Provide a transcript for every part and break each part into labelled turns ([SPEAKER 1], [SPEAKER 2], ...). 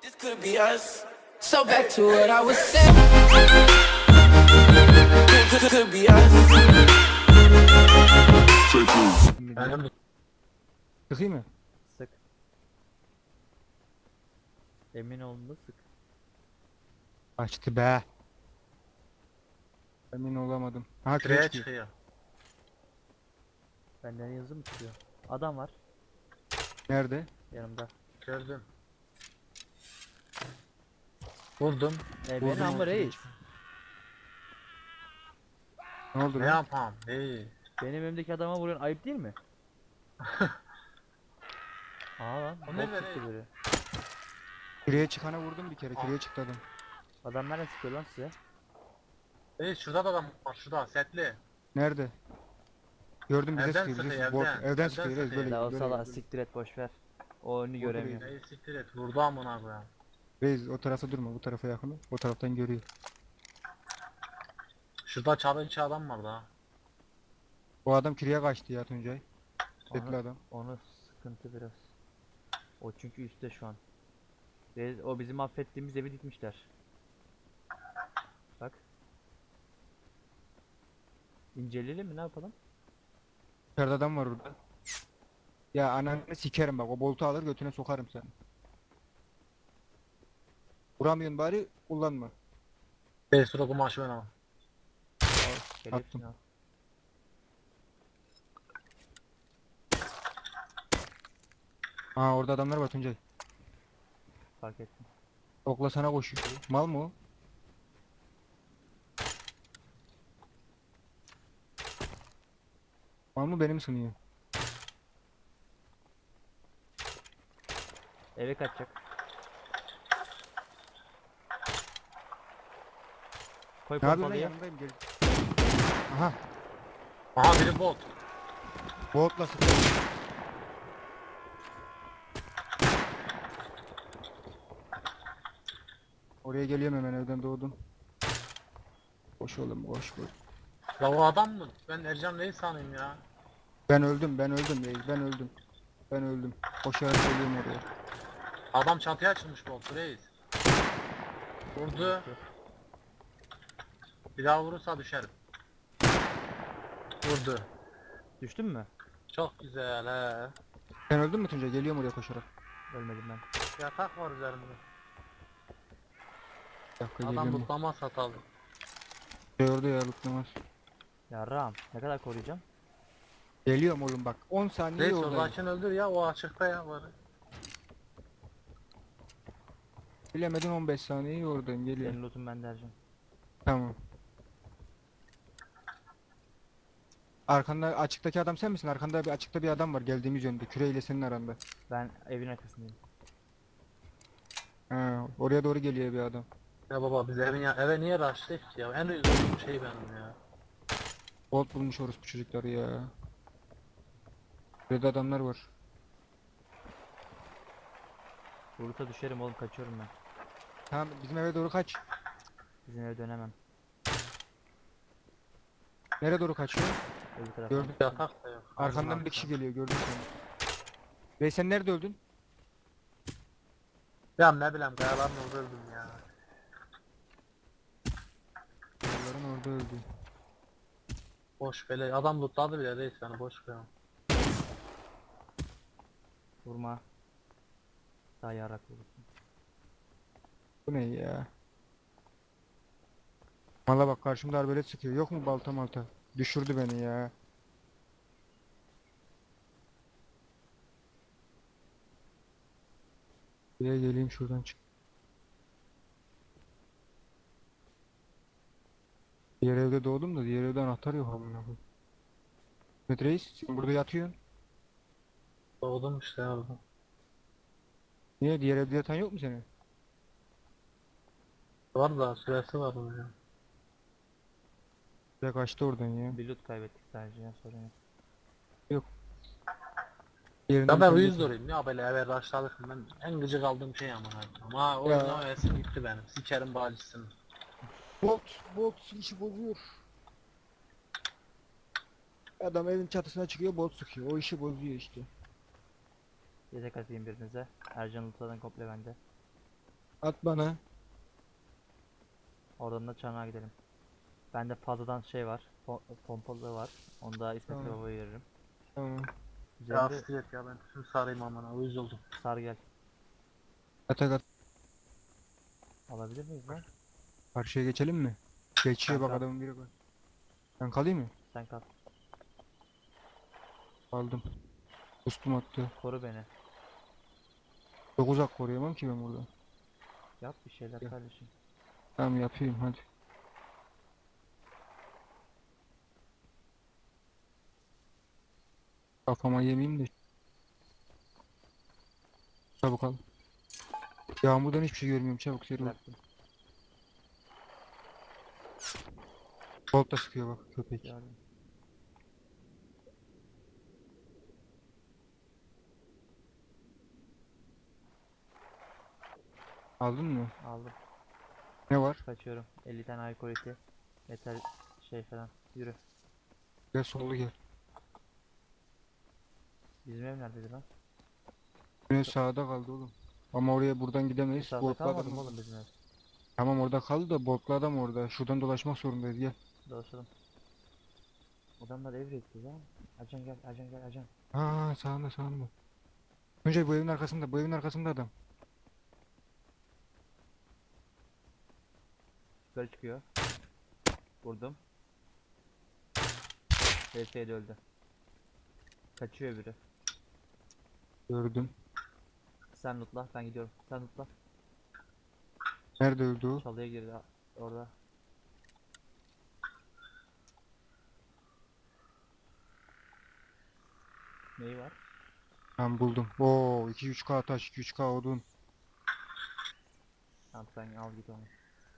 [SPEAKER 1] This could be us. So back to what I was saying. Could be us.
[SPEAKER 2] Benim
[SPEAKER 3] Sıkayım mı?
[SPEAKER 4] Sık. Emin olun da sık.
[SPEAKER 3] Açtı be. Emin olamadım. Ha
[SPEAKER 2] şuraya
[SPEAKER 3] kreç
[SPEAKER 2] çıkıyor.
[SPEAKER 4] Benden yazı mı çıkıyor? Adam var
[SPEAKER 3] Nerede?
[SPEAKER 4] yanımda.
[SPEAKER 2] Gördüm. Vurdum.
[SPEAKER 4] Beni ama reis.
[SPEAKER 3] Ne oldu
[SPEAKER 2] Ne
[SPEAKER 3] lan?
[SPEAKER 2] yapam? İyi.
[SPEAKER 4] Benim önümdeki adama vuruyorsun, ayıp değil mi? Aa lan,
[SPEAKER 2] O ne
[SPEAKER 4] bot
[SPEAKER 2] be
[SPEAKER 4] çıktı
[SPEAKER 2] reis?
[SPEAKER 4] biri.
[SPEAKER 3] Kireye çıkana vurdum bir kere. Kireye çıktı adam.
[SPEAKER 4] Adam nereden sıkıyor lan size?
[SPEAKER 2] Şurada da adam var, şurada setli.
[SPEAKER 3] Nerede? Gördüm bize
[SPEAKER 2] Evden
[SPEAKER 3] sıkıyor. Bize
[SPEAKER 2] sıkıyor,
[SPEAKER 3] sıkıyor.
[SPEAKER 2] evden.
[SPEAKER 3] Evden
[SPEAKER 2] Evden
[SPEAKER 3] sıkıyor. Reis,
[SPEAKER 2] sıkıyor.
[SPEAKER 3] böyle
[SPEAKER 4] La o
[SPEAKER 3] böyle,
[SPEAKER 4] sala
[SPEAKER 3] böyle.
[SPEAKER 4] siktir et, boşver. O önünü göremiyor.
[SPEAKER 2] Ey siktir et, vurdu amına koyayım.
[SPEAKER 3] Reis o tarafa durma. Bu tarafa yakın. ol. O taraftan görüyor.
[SPEAKER 2] Şurada çalınçı adam var da.
[SPEAKER 3] O adam kireye kaçtı ya Tuncay. Setli
[SPEAKER 4] Onu-
[SPEAKER 3] adam.
[SPEAKER 4] Onu sıkıntı biraz. O çünkü üstte şu an. O bizim affettiğimiz evi dikmişler. Bak. İnceleyelim mi, ne yapalım?
[SPEAKER 3] İçeride adam var orada. Ya ananı sikerim bak. O boltu alır götüne sokarım seni. Vuramıyorsun bari kullanma.
[SPEAKER 2] Sura kumaşı ben ama.
[SPEAKER 4] Gel
[SPEAKER 3] Attım.
[SPEAKER 4] hepsini al.
[SPEAKER 3] Aa orada adamlar var Tuncay.
[SPEAKER 4] Fark ettim.
[SPEAKER 3] Okla sana koşuyor. Mal mı o? Mal mı benim sınıyor?
[SPEAKER 4] Eve kaçacak. Koy
[SPEAKER 3] Ne yapıyorsun lan
[SPEAKER 4] pompalıyı.
[SPEAKER 3] yanındayım gel. Aha
[SPEAKER 2] Aha biri bot.
[SPEAKER 3] boltla sıkıyor. Oraya geliyorum hemen evden doğdum. Koş oğlum koş koş.
[SPEAKER 2] La o adam mı? Ben Ercan Reis sanayım ya.
[SPEAKER 3] Ben öldüm reis ben öldüm. Ben öldüm. Koşarak geliyorum oraya.
[SPEAKER 2] Adam çatıya açılmış bot Reis. Vurdu. Bir daha vurursa düşerim. Vurdu.
[SPEAKER 4] Düştün mü?
[SPEAKER 2] Çok güzel he.
[SPEAKER 3] Sen öldün mü Tuncay? Geliyorum oraya koşarak.
[SPEAKER 4] Ölmedim ben.
[SPEAKER 2] Yatak var üzerimde.
[SPEAKER 3] Bir dakika
[SPEAKER 2] Adam
[SPEAKER 3] geliyorum.
[SPEAKER 2] mutlama satalı.
[SPEAKER 3] Şey orada ya lutlamaz.
[SPEAKER 4] Yarrağım. Ne kadar koruyacağım?
[SPEAKER 3] Geliyorum oğlum bak 10 saniye
[SPEAKER 2] Reis
[SPEAKER 3] oradayım.
[SPEAKER 2] oradakini öldür ya, o açıkta ya var.
[SPEAKER 3] Bilemedin 15 saniye oradayım geliyorum.
[SPEAKER 4] Senin lootun bende Ercan.
[SPEAKER 3] Tamam. Arkanda açıktaki adam sen misin? Arkanda bir açıkta bir adam var geldiğimiz yönde. Küreyle senin aranda.
[SPEAKER 4] Ben evin arkasındayım.
[SPEAKER 3] Ha, oraya doğru geliyor bir adam.
[SPEAKER 2] Ya baba biz eve niye rushlayık ki ya? En rezil olduğum şey benim ya.
[SPEAKER 3] Bolt bulmuş orospu çocukları ya. Burada adamlar var.
[SPEAKER 4] Vurursa düşerim oğlum, kaçıyorum ben.
[SPEAKER 3] Tamam bizim eve doğru kaç.
[SPEAKER 4] Bizim eve dönemem.
[SPEAKER 3] Nereye doğru kaçıyor?
[SPEAKER 4] Öbür tarafa.
[SPEAKER 3] Gördüm.
[SPEAKER 2] Yatak da yok.
[SPEAKER 3] Arkandan bir kişi geliyor gördüm seni. Ve sen nerede öldün?
[SPEAKER 2] Ya ne bileyim kayaların orada öldüm ya.
[SPEAKER 3] Onların orada öldü.
[SPEAKER 2] Boş bele adam lootladı bile reis, beni boş ver.
[SPEAKER 4] Vurma. Daha yarrak vurursun.
[SPEAKER 3] Bu ne ya? Valla bak karşımda arbelet sıkıyor. Yok mu balta malta? Düşürdü beni ya. Buraya geleyim şuradan çık. Diğer evde doğdum da diğer evde anahtar yok amına koyayım. Mehmet Reis sen burada yatıyorsun.
[SPEAKER 2] Doğdum işte ya orada.
[SPEAKER 3] Niye diğer evde yatan yok mu senin?
[SPEAKER 2] Var da süresi var onun ya.
[SPEAKER 3] Ya kaçtı oradan ya.
[SPEAKER 4] Bir loot kaybettik sadece ya, sorun yok.
[SPEAKER 3] Yerinden
[SPEAKER 2] Ya ben
[SPEAKER 3] sen
[SPEAKER 2] uyuz
[SPEAKER 3] de-
[SPEAKER 2] durayım ya, böyle eve rushladık, ben en gıcık aldığım şey ama. Ama o
[SPEAKER 3] Ya.
[SPEAKER 2] yüzden o esim gitti benim. Sikerim bacısını.
[SPEAKER 3] Bot işi bozuyor. Adam evin çatısına çıkıyor bot sıkıyor. O işi bozuyor işte.
[SPEAKER 4] Yedek atayım birinize. Ercan lootladan komple bende.
[SPEAKER 3] At bana.
[SPEAKER 4] Oradan da çanağa gidelim. Bende fazladan şey var. Pompalı var. Onu da İsmet
[SPEAKER 3] Tamam.
[SPEAKER 4] Baba'ya veririm.
[SPEAKER 3] Tamam.
[SPEAKER 2] Ya
[SPEAKER 4] Üzerinde
[SPEAKER 2] siktir et ya, ben tüm sarayım amına, uyuz oldum.
[SPEAKER 4] sar gel.
[SPEAKER 3] At.
[SPEAKER 4] Alabilir miyiz lan?
[SPEAKER 3] Karşıya geçelim mi? Geçiyor bak,
[SPEAKER 4] Kanka.
[SPEAKER 3] adamın biri var. Ben kalayım mı?
[SPEAKER 4] Sen kal.
[SPEAKER 3] Aldım. Dostum attı.
[SPEAKER 4] Koru beni.
[SPEAKER 3] Çok uzak koruyamam ki ben burada.
[SPEAKER 4] Yap bir şeyler
[SPEAKER 3] Gel.
[SPEAKER 4] kardeşim.
[SPEAKER 3] Tamam yapayım hadi. Kafama yemeyeyim de. Çabuk al. Yağmurdan hiçbir şey görmüyorum, çabuk seri ol.
[SPEAKER 4] Bıraktım.
[SPEAKER 3] Bolt da sıkıyor bak köpek.
[SPEAKER 4] Gördüm.
[SPEAKER 3] Aldın mı?
[SPEAKER 4] Aldım.
[SPEAKER 3] Ne var?
[SPEAKER 4] Kaçıyorum. 50 tane alkol eti. Metal şey falan. Yürü.
[SPEAKER 3] Gel sollu gel.
[SPEAKER 4] Bizim ev neredeydi lan?
[SPEAKER 3] Yine sağda kaldı oğlum. Ama oraya buradan
[SPEAKER 4] Bu
[SPEAKER 3] gidemeyiz.
[SPEAKER 4] saatte
[SPEAKER 3] Boltlu
[SPEAKER 4] kalmadı
[SPEAKER 3] adam
[SPEAKER 4] mı
[SPEAKER 3] orada.
[SPEAKER 4] oğlum bizim ev?
[SPEAKER 3] Tamam orada kaldı da boltlu adam orada. Şuradan dolaşmak zorundayız gel.
[SPEAKER 4] Dolaşalım. Adamlar ev rekti lan. Acan gel, acan gel, acan.
[SPEAKER 3] Ha sağında. Önce bu evin arkasında, bu evin arkasında adam.
[SPEAKER 4] Yukarı çıkıyor. Vurdum. VS'de öldü. Kaçıyor biri.
[SPEAKER 3] Gördüm.
[SPEAKER 4] Sen lootla, ben gidiyorum. Sen lootla.
[SPEAKER 3] Nerede öldü o?
[SPEAKER 4] Çalıya girdi orada. Neyi var?
[SPEAKER 3] Ben buldum. Oo 2-3K taş, 2-3K odun.
[SPEAKER 4] Tamam sen al git onu.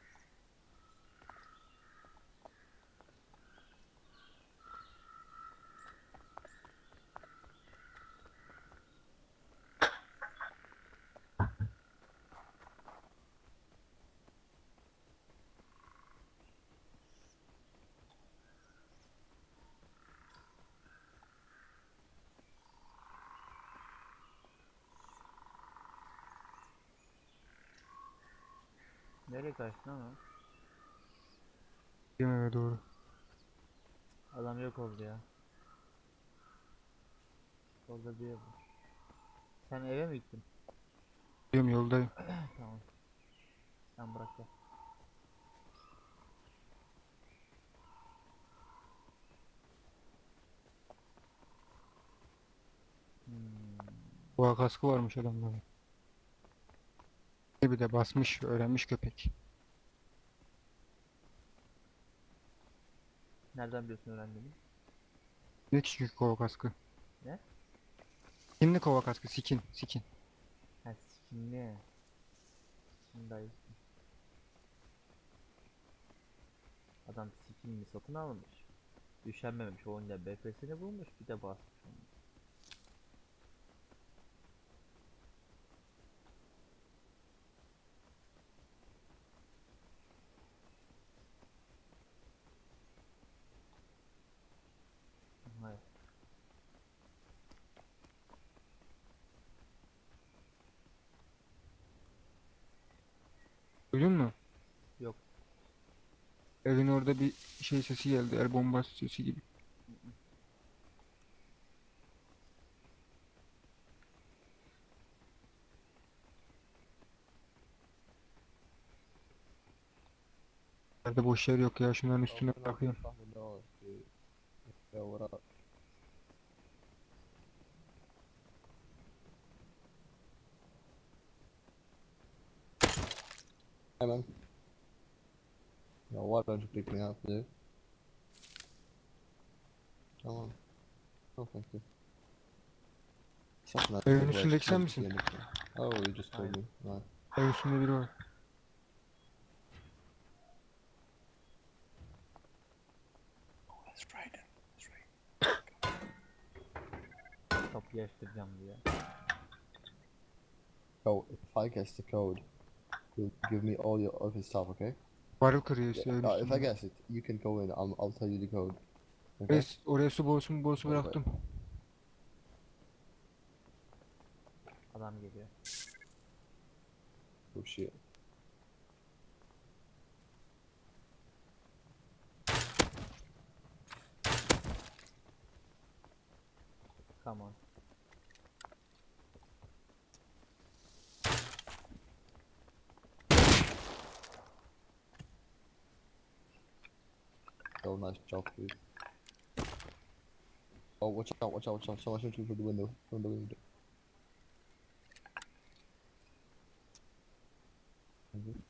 [SPEAKER 4] Nereye kaçtın ama?
[SPEAKER 3] Yemeğe doğru.
[SPEAKER 4] Adam yok oldu ya. Orada bir ev var. Sen eve mi gittin?
[SPEAKER 3] Diyorum yoldayım.
[SPEAKER 4] Tamam. Sen bırak gel. Hmm.
[SPEAKER 3] Boğa kaskı varmış adamların. Bir de basmış, öğrenmiş köpek.
[SPEAKER 4] Nereden biliyorsun öğrendiğini?
[SPEAKER 3] Ne çünkü kova kaskı?
[SPEAKER 4] Ne?
[SPEAKER 3] Skinli kova kaskı, skin.
[SPEAKER 4] Ha skinli. Şimdi adam skinli satın almış. Üşenmemiş oyunda BF'sini bulmuş bir de basmış onu. Hayır.
[SPEAKER 3] Duydun mu?
[SPEAKER 4] Yok.
[SPEAKER 3] Evin orada bir şey sesi geldi, el bombası sesi gibi. Nerede boş yer yok ya, şunların üstüne
[SPEAKER 5] Open up the
[SPEAKER 3] bakayım.
[SPEAKER 5] fucking doors, dude. Yo, what up? Hey, man. Yo, why don't you pick me up, dude? Come on. No, thank you. Something
[SPEAKER 3] Evin
[SPEAKER 5] like
[SPEAKER 3] üstündeki sen misin?
[SPEAKER 5] Oh, you just told me. Right.
[SPEAKER 3] Evin üstünde biri var.
[SPEAKER 4] Kapıyı açtıracağım diye.
[SPEAKER 5] So, if I guess the code, you'll give me all your office stuff, okay?
[SPEAKER 3] Varil kırıyor işte evin
[SPEAKER 5] If I
[SPEAKER 3] üstünde.
[SPEAKER 5] guess it, you can go in. I'll tell you the code. Okay?
[SPEAKER 3] Oraya su borusu
[SPEAKER 5] Vay be.
[SPEAKER 3] bıraktım.
[SPEAKER 4] Adam geliyor.
[SPEAKER 5] Oh shit.
[SPEAKER 4] Come on.
[SPEAKER 5] Oh, nice job, dude. Oh, watch out, watch out, watch out. Someone shooting through the window. From the window. Mhm.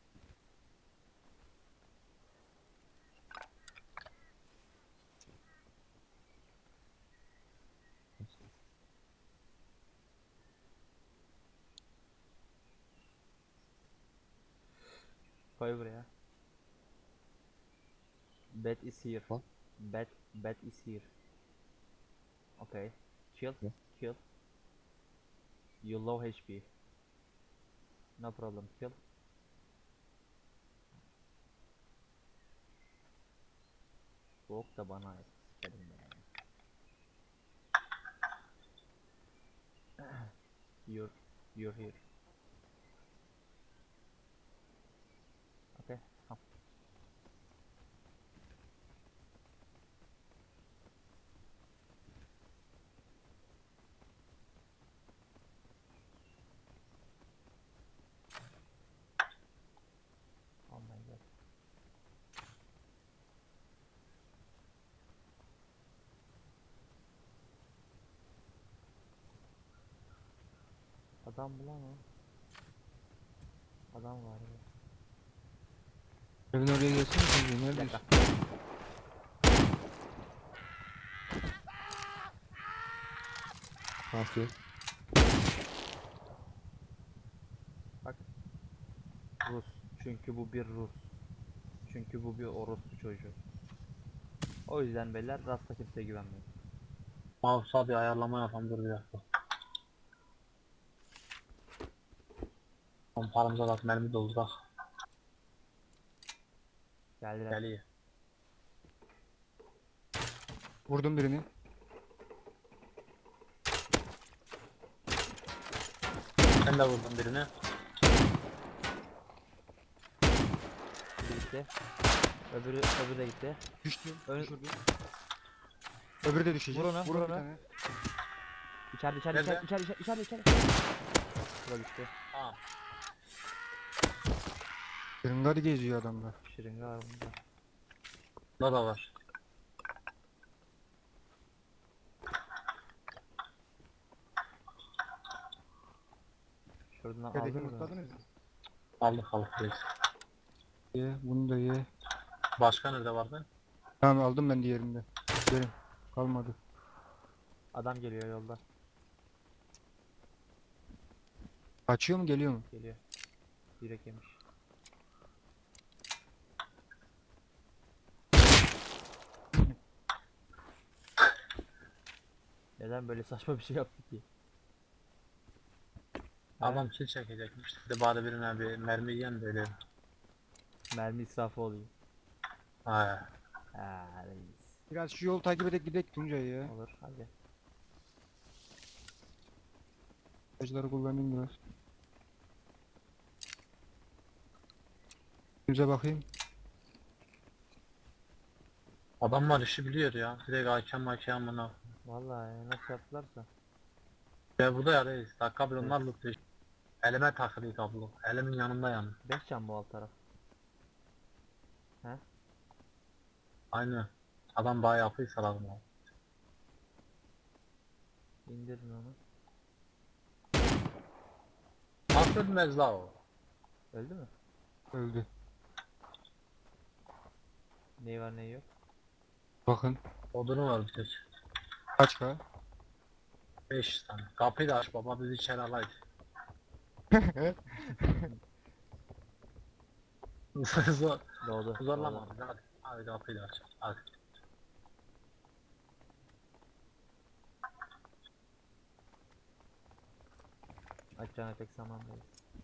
[SPEAKER 4] Koy buraya. Bat is here.
[SPEAKER 5] What?
[SPEAKER 4] Bat is here. Okay. Chill.
[SPEAKER 5] Yeah.
[SPEAKER 4] Kill. You low HP. No problem. Kill. Soğuk da bana ait. Sikerim yani. You're here. Okay. Come. Oh my god. Adam mı lan o? Adam var ya.
[SPEAKER 3] Evin oraya gelsene çocuğum.
[SPEAKER 4] Bir
[SPEAKER 3] Neredesin?
[SPEAKER 4] dakika.
[SPEAKER 5] Past you.
[SPEAKER 4] Bak. Rus. Çünkü bu bir Rus. Çünkü bu bir orospu çocuğu. O yüzden beyler rasta kimseye güvenmeyin.
[SPEAKER 2] Mouse'a bir ayarlama yapalım, dur bir dakika. Son paramıza bak, mermi doldurak.
[SPEAKER 4] Geldiler.
[SPEAKER 2] Geliyor.
[SPEAKER 3] Vurdum birini.
[SPEAKER 2] Ben de vurdum birini.
[SPEAKER 4] Biri gitti. Öbürü de gitti.
[SPEAKER 3] Düştü.
[SPEAKER 4] Ön-
[SPEAKER 3] Düşürdü. Öbürü de düşecek.
[SPEAKER 4] Vur onu,
[SPEAKER 3] Vur
[SPEAKER 4] vur
[SPEAKER 3] bir
[SPEAKER 4] onu.
[SPEAKER 3] tane.
[SPEAKER 4] İçeride.
[SPEAKER 2] Nerede?
[SPEAKER 4] Bu da gitti.
[SPEAKER 2] Tamam.
[SPEAKER 3] Kırıngar geziyor adamlar.
[SPEAKER 4] Şırınga var bunda.
[SPEAKER 2] Bunda da var.
[SPEAKER 4] Şuradan
[SPEAKER 3] Yerdeki
[SPEAKER 4] aldın mı?
[SPEAKER 3] mutladınız mı?
[SPEAKER 2] Aldık reis.
[SPEAKER 3] Ye, bunu da ye.
[SPEAKER 2] Başka nerede vardı?
[SPEAKER 3] Tamam aldım ben diğerinde. Gelin. Kalmadı.
[SPEAKER 4] Adam geliyor yolda.
[SPEAKER 3] Kaçıyor mu geliyor mu?
[SPEAKER 4] Geliyor. Direkt yemiş. Neden böyle saçma bir şey yaptı ki?
[SPEAKER 2] Adam kill çekecekmiş. Bir de bari birine bir mermi yiyen böyle.
[SPEAKER 4] Mermi israfı oluyor.
[SPEAKER 2] Ha.
[SPEAKER 4] Ha reis.
[SPEAKER 3] Biraz şu yolu takip edip gidelim Tuncay ya.
[SPEAKER 4] Olur hadi.
[SPEAKER 3] Ağaçları kullanayım biraz. Bize bakayım.
[SPEAKER 2] Adamlar işi biliyor ya. Direkt hakem buna.
[SPEAKER 4] Vallahi nasıl yaptılarsa.
[SPEAKER 2] Ya burada ya reis. Dakika bir onlar lootluyor. Elime takılıyor kablo. Elimin yanında yani.
[SPEAKER 4] 5 can bu alt taraf.
[SPEAKER 2] Aynı. Adam bayağı yapıysa lazım abi.
[SPEAKER 4] İndirin onu.
[SPEAKER 2] Nasıl ölmez la o?
[SPEAKER 4] Öldü mü?
[SPEAKER 3] Öldü.
[SPEAKER 4] Neyi var neyi yok?
[SPEAKER 3] Bakın.
[SPEAKER 2] Odunu var bir tek.
[SPEAKER 3] Kaç ka?
[SPEAKER 2] 5 tane. Kapıyı da aç baba, bizi içeri alaydı. Zor,
[SPEAKER 4] Doğdu.
[SPEAKER 2] zorlama
[SPEAKER 4] doğdu.
[SPEAKER 2] bizi, hadi. Hadi kapıyı da aç. Hadi.
[SPEAKER 4] Açacağına pek zamandayız.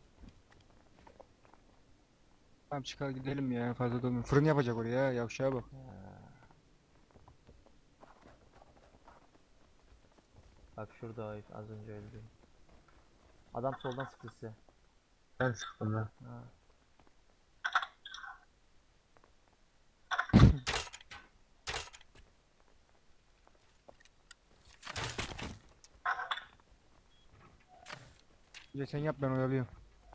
[SPEAKER 3] Tamam çıkar gidelim ya fazla durmayın. Fırın yapacak oraya yavşağa bak.
[SPEAKER 4] Bak şurada o herif, az önce öldü. Adam soldan sıktı size.
[SPEAKER 2] Ben sıktım lan.
[SPEAKER 4] Ha.
[SPEAKER 3] Önce sen yap ben oyalıyorum.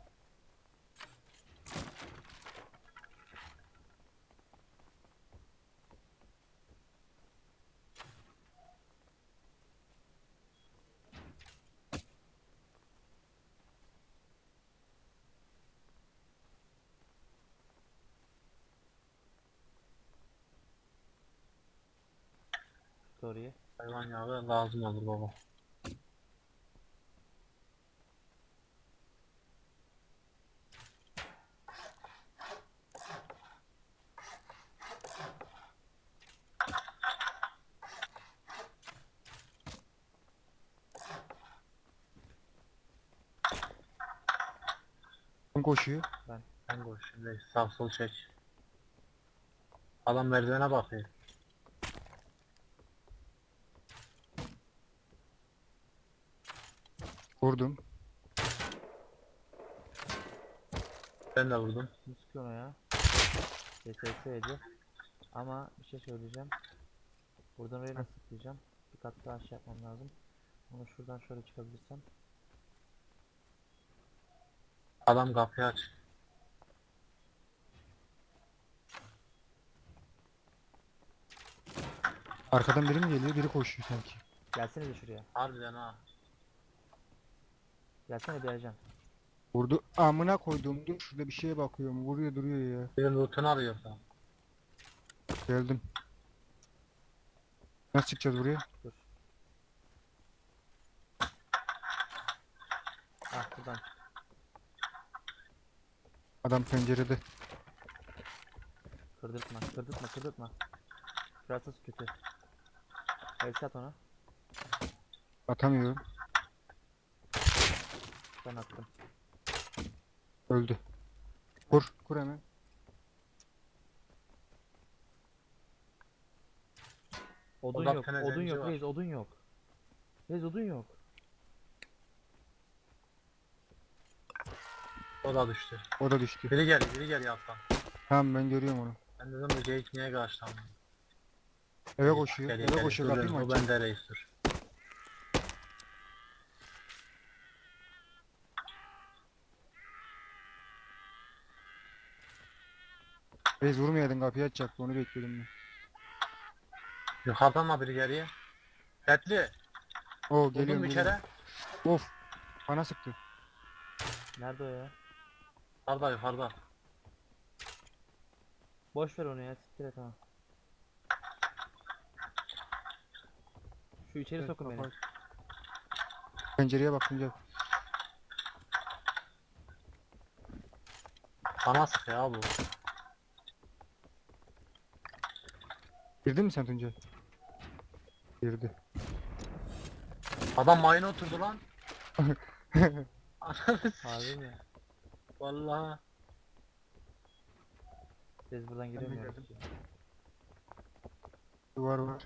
[SPEAKER 4] Oraya.
[SPEAKER 2] Hayvan yağı lazım olur baba.
[SPEAKER 3] Kim koşuyor?
[SPEAKER 2] Ben koş şimdi sağ sol çek. Adam merdivene bakıyor.
[SPEAKER 3] Vurdum.
[SPEAKER 2] Ben de vurdum.
[SPEAKER 4] Kim sıkıyor ona ya? CTS'ydi. Ama bir şey söyleyeceğim. Buradan oraya nasıl sıklayacağım? Bir kat daha şey yapmam lazım. Onu şuradan şöyle çıkabilirsem.
[SPEAKER 2] Adam kapıyı aç.
[SPEAKER 3] Arkadan biri mi geliyor? Biri koşuyor sanki.
[SPEAKER 4] Gelsene de şuraya.
[SPEAKER 2] Harbiden ha.
[SPEAKER 4] Gelsene bir Ercan.
[SPEAKER 3] Vurdu. Amına koydum. Dur şurada bir şeye bakıyorum. Vuruyor duruyor ya.
[SPEAKER 2] Birinin lootunu arıyorsa.
[SPEAKER 3] Geldim. Nasıl çıkacağız buraya?
[SPEAKER 4] Dur. Ah buradan.
[SPEAKER 3] Adam pencerede.
[SPEAKER 4] Kırdırtma, kırdırtma, kırdırtma. Şurası kötü. El at ona.
[SPEAKER 3] Atamıyorum.
[SPEAKER 4] Ben attım.
[SPEAKER 3] Öldü. Kur. Kur hemen.
[SPEAKER 4] Odun
[SPEAKER 2] Odak
[SPEAKER 4] yok,
[SPEAKER 2] tane
[SPEAKER 4] odun
[SPEAKER 2] zenci
[SPEAKER 4] yok,
[SPEAKER 2] var.
[SPEAKER 4] reis odun yok. Reis odun yok.
[SPEAKER 2] O da düştü.
[SPEAKER 3] O da düştü.
[SPEAKER 2] Biri gel yattan.
[SPEAKER 3] Tamam ben görüyorum onu.
[SPEAKER 2] Ben dedim bu geyik niye karşılandı?
[SPEAKER 3] Eve koşuyor. Eve koşuyor. Kapıyı mı
[SPEAKER 2] O
[SPEAKER 3] açacak?
[SPEAKER 2] bende reis dur.
[SPEAKER 3] Reis vurmayaydın kapıyı açacaktı. Onu bekliyordum ben.
[SPEAKER 2] Yukarıdan mı biri geriye? Etli.
[SPEAKER 3] Oo
[SPEAKER 2] Buldum
[SPEAKER 3] geliyorum.
[SPEAKER 2] bir
[SPEAKER 3] geliyorum.
[SPEAKER 2] kere.
[SPEAKER 3] Of. Bana sıktı.
[SPEAKER 4] Nerede o ya?
[SPEAKER 2] Yukarıda.
[SPEAKER 4] Boş ver onu ya, siktir et ha. Şu içeri
[SPEAKER 3] Evet,
[SPEAKER 4] sokun beni.
[SPEAKER 3] kapat. Pencereye bakınca.
[SPEAKER 2] Bana sık ya bu.
[SPEAKER 3] Girdin mi sen Tuncay? Girdi.
[SPEAKER 2] Adam mayına oturdu lan. Ananı
[SPEAKER 4] Harbi mi?
[SPEAKER 2] Vallahi.
[SPEAKER 4] Biz buradan giremiyoruz
[SPEAKER 3] girdim.
[SPEAKER 4] ki.
[SPEAKER 3] Duvar var.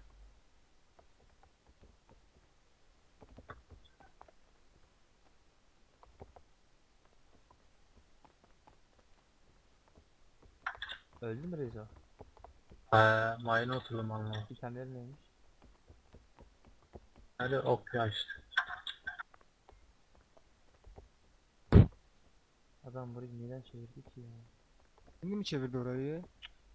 [SPEAKER 4] Öldü mü Rezo?
[SPEAKER 2] Mayına oturdum Allah.
[SPEAKER 4] İtemleri neymiş?
[SPEAKER 2] Öyle ok ya işte.
[SPEAKER 4] Adam burayı neden çevirdi ki ya?
[SPEAKER 3] Şimdi mi çevirdi orayı ya?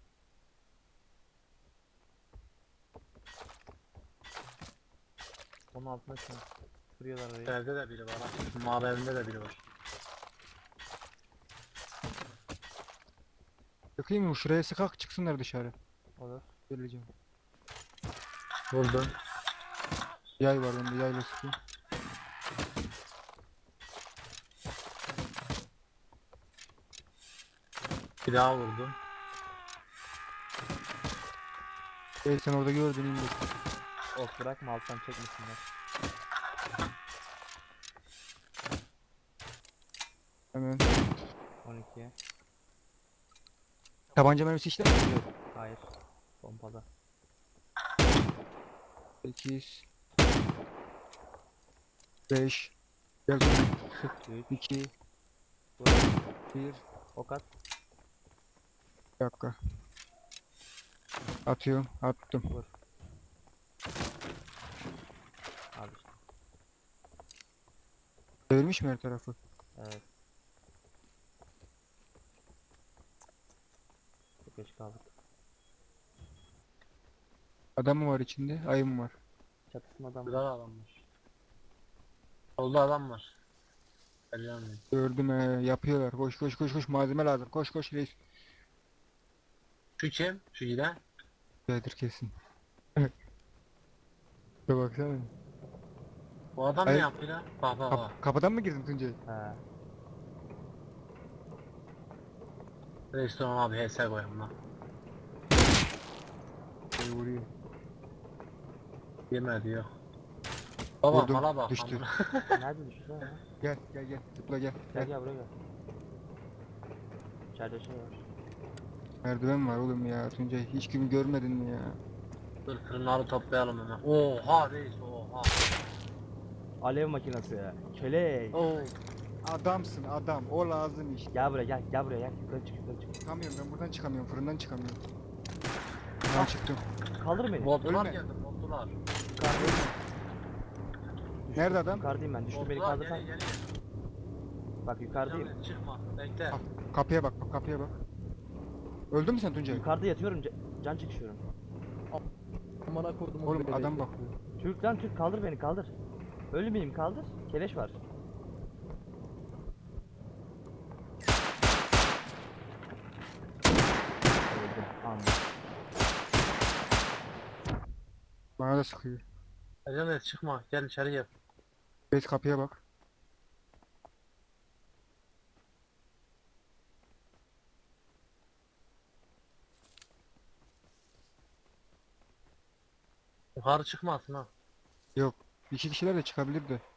[SPEAKER 4] Onun altına şu an vuruyorlar orayı.
[SPEAKER 2] Evde de biri var. Ha. Mavi evinde de biri var.
[SPEAKER 3] Yakayım mı? Şuraya sıkak çıksınlar dışarı.
[SPEAKER 4] Olur.
[SPEAKER 3] Geleceğim.
[SPEAKER 2] Vurdum.
[SPEAKER 3] Yay var bende. Yayla sıkayım.
[SPEAKER 2] Bir daha vurdum.
[SPEAKER 3] Sen orada gördün indir.
[SPEAKER 4] Ok bırakma alttan çekmesinler.
[SPEAKER 3] Hemen.
[SPEAKER 4] 12'ye.
[SPEAKER 3] Tabanca mermisi işte mi?
[SPEAKER 4] Yok. Hayır. Pompada.
[SPEAKER 3] 8 5 Gel Tuncay.
[SPEAKER 4] 3.
[SPEAKER 3] 2
[SPEAKER 4] Vur.
[SPEAKER 3] 1
[SPEAKER 4] Ok at.
[SPEAKER 3] Bir dakika. Atıyorum. Attım.
[SPEAKER 4] Vur. Al işte.
[SPEAKER 3] Çevirmiş mi her tarafı?
[SPEAKER 4] Evet. Çok geç kaldık.
[SPEAKER 3] Adam mı var içinde? Ayı mı var?
[SPEAKER 4] Çatısında adam var.
[SPEAKER 2] Güzel adammış. Solda adam var. Geliyorum.
[SPEAKER 3] Gördüm yapıyorlar. Koş koş koş koş malzeme lazım. Koş koş reis.
[SPEAKER 2] Şu kim? Şu giden.
[SPEAKER 3] Bedir kesin. Bir baksana.
[SPEAKER 2] Bu adam ne
[SPEAKER 3] Hayır.
[SPEAKER 2] yapıyor lan? Bak bak bak.
[SPEAKER 3] Kapıdan mı girdin Tuncay?
[SPEAKER 4] He.
[SPEAKER 2] Restoran abi HS koyalım lan.
[SPEAKER 3] Vuruyor.
[SPEAKER 2] Yemedi yok. Baba
[SPEAKER 3] Vurdum,
[SPEAKER 2] mala bak.
[SPEAKER 3] düştü.
[SPEAKER 2] amına.
[SPEAKER 4] Nerede düştü lan?
[SPEAKER 3] Gel gel gel. Zıpla gel.
[SPEAKER 4] Gel
[SPEAKER 3] Gel.
[SPEAKER 4] gel buraya gel. İçeride şey var.
[SPEAKER 3] Merdiven var oğlum ya Tuncay. Hiç kimi görmedin mi ya?
[SPEAKER 2] Dur fırınları toplayalım hemen. Oha reis oha.
[SPEAKER 4] Alev makinesi ya. Köle.
[SPEAKER 3] Oo. Adamsın adam. O lazım işte.
[SPEAKER 4] Gel buraya gel. Gel buraya gel. Yukarı çık yukarı çık.
[SPEAKER 3] Çıkamıyorum ben buradan çıkamıyorum. Fırından çıkamıyorum. Ben çıktım.
[SPEAKER 4] Kaldır beni.
[SPEAKER 2] Botlar
[SPEAKER 3] Ölme.
[SPEAKER 2] geldi botlar.
[SPEAKER 4] Yukarıdayım. Düştüm.
[SPEAKER 3] Nerede adam?
[SPEAKER 4] Yukarıdayım ben. Düştüm beni
[SPEAKER 2] Botlar
[SPEAKER 4] kaldırsan.
[SPEAKER 2] gel.
[SPEAKER 4] Bak yukarıdayım.
[SPEAKER 2] Canım, çıkma bekle.
[SPEAKER 3] Ah. Kapıya bak bak kapıya bak. Öldün mü sen Tuncay?
[SPEAKER 4] Yukarıda yatıyorum. Can çekişiyorum.
[SPEAKER 5] Amına koydum.
[SPEAKER 3] Oğlum adam bakıyor.
[SPEAKER 4] Türk lan Türk kaldır beni kaldır. Ölmeyeyim kaldır. Keleş var. Öldüm. Anladım.
[SPEAKER 3] Bana da sıkıyor.
[SPEAKER 2] Ecenet çıkma gel içeri gel.
[SPEAKER 3] Reis kapıya bak.
[SPEAKER 2] Yukarı çıkmasın ha.
[SPEAKER 3] Yok. İki kişiler de çıkabilir de.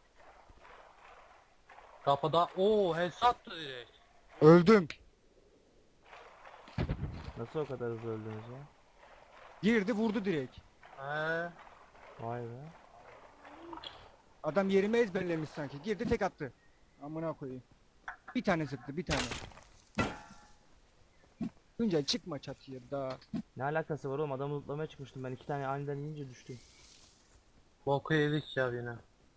[SPEAKER 2] Kapıda HS attı direkt.
[SPEAKER 3] Öldüm.
[SPEAKER 4] Nasıl o kadar hızlı öldünüz ya?
[SPEAKER 3] Girdi vurdu direkt.
[SPEAKER 2] He.
[SPEAKER 4] Vay be.
[SPEAKER 3] Adam yerimi ezberlemiş sanki. Girdi tek attı. Amına koyayım. Bir tane sıktı bir tane. Tuncay çıkma çatıya daha.
[SPEAKER 4] Ne alakası var oğlum, adamı lootlamaya çıkmıştım ben, 2 tane aniden yiyince düştüm.
[SPEAKER 2] Boku yedik ya yine.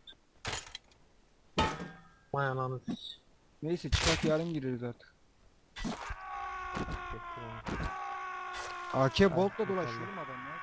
[SPEAKER 2] Vay ananı sik.
[SPEAKER 3] Neyse çıkart yarın gireriz artık.
[SPEAKER 4] Çektim onu.
[SPEAKER 3] AK Bolt'la
[SPEAKER 4] bakalım.
[SPEAKER 3] dolaşıyorum adam ya.